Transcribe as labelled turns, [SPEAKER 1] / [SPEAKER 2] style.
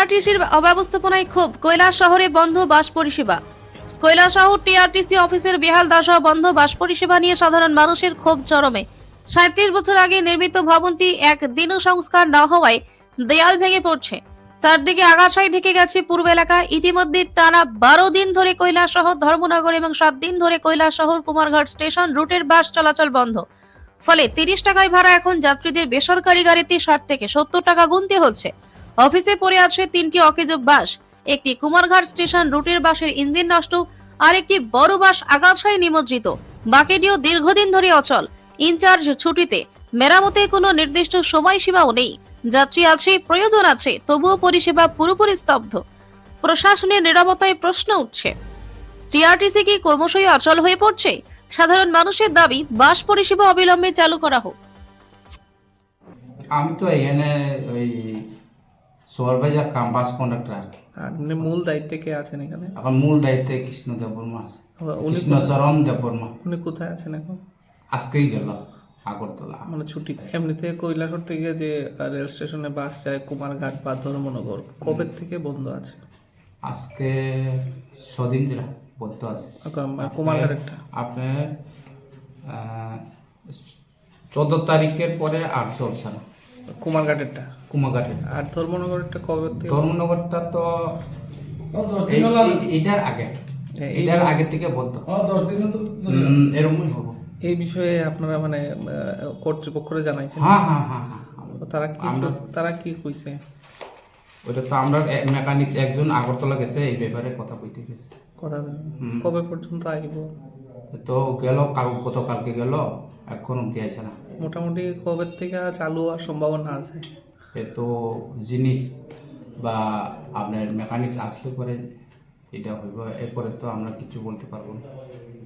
[SPEAKER 1] টিআরটিসির অব্যবস্থাপনায় ক্ষোভ, কৈলাস শহরে বন্ধ বাস পরিষেবা। কৈলাসহর টিআরটিসি অফিসের বেহাল দশা, বন্ধ বাস পরিষেবা নিয়ে সাধারণ মানুষের ক্ষোভ চরমে। ৩৭ বছর আগে নির্মিত ভবনটি একদিনও সংস্কার না হওয়ায় দেয়াল ভেঙে পড়ছে। চারদিকে আগাছায় ঢেকে গেছে পূর্ব এলাকা। ইতিমধ্যে টানা ১২ দিন ধরে কৈলাসহর ধর্মনগর এবং ৭ দিন ধরে কৈলাসহর কুমারঘাট স্টেশন রুটের বাস চলাচল বন্ধ। ফলে ৩০ টাকায় ভাড়া এখন যাত্রীদের বেসরকারি গাড়িতে ৬০ থেকে ৭০ টাকা গুনতে হচ্ছে। অফিসে পড়ে আছে ৩টি অকেজো বাস, একটি কুমারঘাট স্টেশন রুটের বাসের ইঞ্জিন নষ্ট, আর একটি বড় বাস আগাছায় নিমজ্জিত। বাকিটিও দীর্ঘদিন ধরে অচল। ইনচার্জ ছুটিতে, মেরামতে কোনো নির্দিষ্ট সময়সীমাও নেই। যাত্রী আছে, প্রয়োজন আছে, তবুও পরিষেবা পুরোপুরি স্তব্ধ। প্রশাসনের নিরাপত্তায় প্রশ্ন উঠছে। টিআরটিসি কি ক্রমশই অচল হয়ে পড়ছে? সাধারণ মানুষের দাবি বাস পরিষেবা অবিলম্বে চালু করা হোক।
[SPEAKER 2] আমি তো এখানে ওই সুপারভাইজার কাম বাস কন্ডাক্টর।
[SPEAKER 3] আর মূল দায়িত্বে কে আছেন এখানে?
[SPEAKER 2] এখন মূল দায়িত্বে কৃষ্ণ দেববর্মা আছে।
[SPEAKER 3] উনি
[SPEAKER 2] কৃষ্ণচরণ দেববর্মা
[SPEAKER 3] উনি কোথায় আছেন এখন?
[SPEAKER 2] আজকেই গেল আগরতলা।
[SPEAKER 3] মানে ছুটিতে। এমনিতে কৈলাসহর থেকে যে রেল স্টেশনে বাস যায় কুমারঘাট বা ধর্মনগর, কবে থেকে বন্ধ আছে?
[SPEAKER 2] আজকে ছদিন ধরে বদ্ধ আছে।
[SPEAKER 3] কুমারঘাটেরটা
[SPEAKER 2] আপনার 14 তারিখের পরে আর চলছে না।
[SPEAKER 3] কুমারঘাটেরটা
[SPEAKER 2] কুমারঘাটের
[SPEAKER 3] আর ধর্মনগরেরটা কবে থেকে?
[SPEAKER 2] ধর্মনগরটা তো এটার আগে, এটার আগে থেকে বদ্ধ। 10 দিন এরকমই হবো।
[SPEAKER 3] এই বিষয়ে আপনারা মানে কর্তৃপক্ষরে জানাইছেন?
[SPEAKER 2] হ্যাঁ হ্যাঁ হ্যাঁ হ্যাঁ।
[SPEAKER 3] তো তারা কি কইছে?
[SPEAKER 2] ওইটা তো আমরা মেকানিক একজন আগরতলা গেছে, এই ব্যাপারে কথা কইতে গেছে।
[SPEAKER 3] কথা কবে পর্যন্ত আইব?
[SPEAKER 2] তো গেল গতকালকে গেল, এখন অব্দি আছে না।
[SPEAKER 3] মোটামুটি কবে থেকে চালু হওয়ার সম্ভাবনা আছে?
[SPEAKER 2] এ তো জিনিস বা আপনার মেকানিক্স আসলে পরে এটা হইব, এরপরে তো আমরা কিছু বলতে পারবো না।